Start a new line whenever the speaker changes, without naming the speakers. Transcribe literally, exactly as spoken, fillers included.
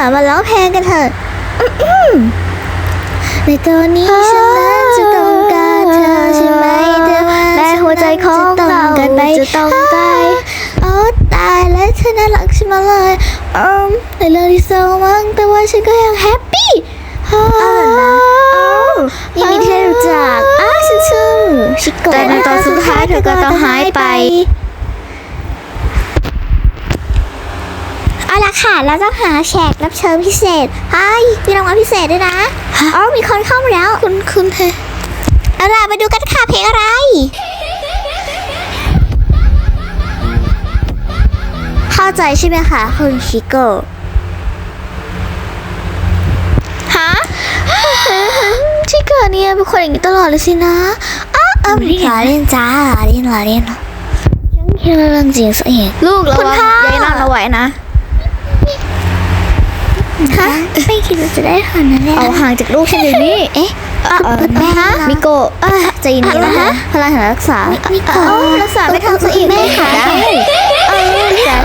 มาร้องเพลงกันเถอะในตอนนี้ฉันนั้นจะต้องการเธอใช่ไหมแต่ว่าและหัวใจของเราจะต้องตายโอ้ตายแล้วเธอน่ารักใช่ไหมเลยอืมในเรื่องที่เศร้ามั้งแต่ว่าฉันก็ยังแฮปปี้อ้าวนะยินดีที่ได้รู้จักอ้าฉันชื่อชิโกะแต่ในตอนสุดท้ายเธอก็ต้องหายไปเอาละค่ะเราต้องหาแขกรับเชิญพิเศษเฮ้ยมีรางวัลพิเศษด้วยนะอ๋อมีคนเข้ามาแล้วคุณคุณเธอเอาล่ะมาดูกันค่ะเพลงอะไรเข้าใจใช่ไหมคะคุณชิโกะฮะชิโกะเนี่ยเป็นคนอย่างนี้ตลอดเลยสินะอ้าวเออหล่อเล่นจ้าหล่อเล่นหล่อเล่นฉันคิดว่าเรื่องจริงซะเองลูกเรายายนั่งเราไหวนะฮะไม่คิดว่าจะได้ขนาดนั้นเลยเอาห่างจากลูกฉันเดี๋ยวนี้เอ๊ะเออแม่มิโกะใจเย็นๆนะคะพลังแห่งรักษามิโกะรักษาไปทางตัวเองแม่ค่ะเออแต่